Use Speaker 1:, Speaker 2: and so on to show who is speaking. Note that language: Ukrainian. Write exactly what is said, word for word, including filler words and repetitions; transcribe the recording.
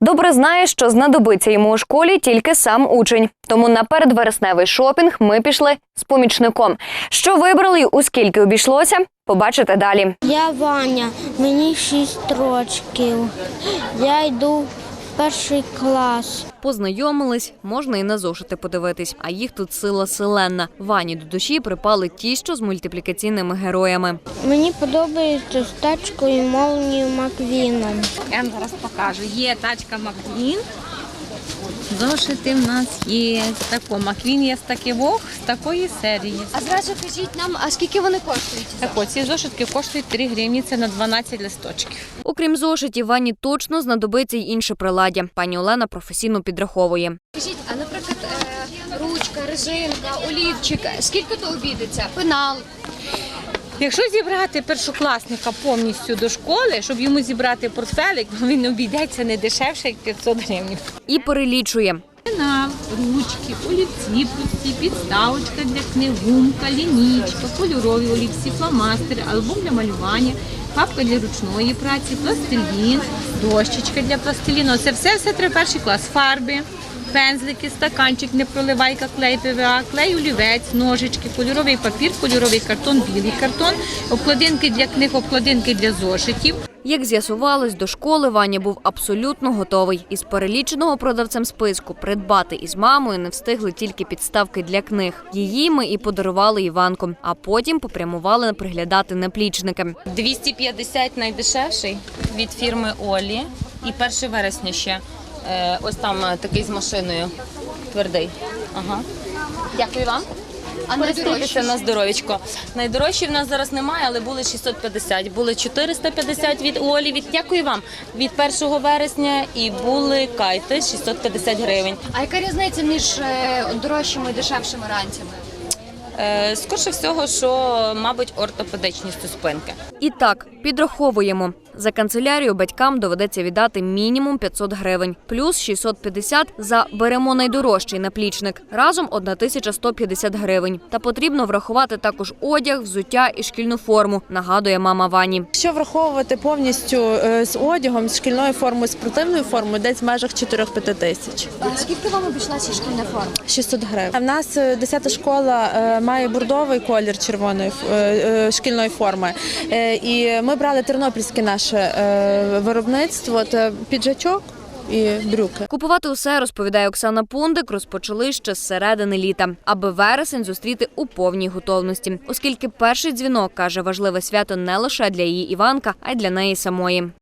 Speaker 1: добре знає, що знадобиться йому у школі тільки сам учень. Тому на передвересневий шопінг ми пішли з помічником. Що вибрали і у скільки обійшлося, побачите далі.
Speaker 2: Я Ваня, мені шість років. Я йду в перший клас.
Speaker 1: Познайомились, можна і на зошити подивитись. А їх тут сила селенна. Вані до душі припали ті, що з мультиплікаційними героями.
Speaker 2: Мені подобається з тачкою Молнією Маквіном.
Speaker 3: Я вам зараз покажу. Є тачка Маквін. Зошити в нас є. Тако. Маквін є з таких, з такої серії.
Speaker 4: А зразу кажіть нам, а скільки вони коштують?
Speaker 3: Так от, ці зошитки коштують три гривні, це на дванадцять листочків.
Speaker 1: Окрім зошитів, Вані точно знадобиться й інше приладдя. Пані Олена професійно підраховує.
Speaker 4: Скажіть, а наприклад, е, ручка, резинка, олівчик, скільки то обійдеться? Пенал.
Speaker 3: Якщо зібрати першокласника повністю до школи, щоб йому зібрати портфелик, він обійдеться не дешевше, як п'ятсот гривень.
Speaker 1: І перелічує.
Speaker 3: Пенал, ручки, олівці, пусті, підставочка для книг, гумка, лінійка, кольорові олівці, фломастери, альбом для малювання, папка для ручної праці, пластилін, дощечка для пластиліну. Це все, все треба перший клас. Фарби, пензлики, стаканчик, непроливайка, клей ПВА, клей олівець, ножички, кольоровий папір, кольоровий картон, білий картон, обкладинки для книг, обкладинки для зошитів.
Speaker 1: Як з'ясувалось, до школи Ваня був абсолютно готовий. Із переліченого продавцем списку придбати із мамою не встигли тільки підставки для книг. Її ми і подарували Іванку, а потім попрямували приглядати наплічники.
Speaker 5: двісті п'ятдесят найдешевший від фірми Олі і першого вересня ще. Е, ось там такий з машиною твердий. Ага. Дякую вам.
Speaker 4: А
Speaker 5: Користуйтеся на здоров'ячко. Найдорожчі в нас зараз немає, але були шістсот п'ятдесят. Були чотириста п'ятдесят від Олі. Від, дякую вам. Від першого вересня і були кайти шістсот п'ятдесят гривень.
Speaker 4: А яка різниця між е, дорожчими і дешевшими ранцями?
Speaker 5: Е, скорше всього, що, мабуть, ортопедичністю спинки.
Speaker 1: І так, підраховуємо. За канцелярію батькам доведеться віддати мінімум п'ятсот гривень. Плюс шістсот п'ятдесят за «беремо найдорожчий наплічник». Разом тисяча сто п'ятдесят гривень. Та потрібно врахувати також одяг, взуття і шкільну форму, нагадує мама Вані.
Speaker 6: Якщо враховувати повністю з одягом, з шкільною формою, спортивною формою, десь в межах чотири-п'ять тисяч.
Speaker 4: А скільки вам обійшлася шкільна форма?
Speaker 6: шістсот гривень. А в нас десята школа має бордовий колір червоної шкільної форми. І ми брали тернопільське наше виробництво, це піджачок і брюки.
Speaker 1: Купувати усе, розповідає Оксана Пундик, розпочали ще з середини літа, аби вересень зустріти у повній готовності. Оскільки перший дзвінок, каже, важливе свято не лише для її Іванка, а й для неї самої.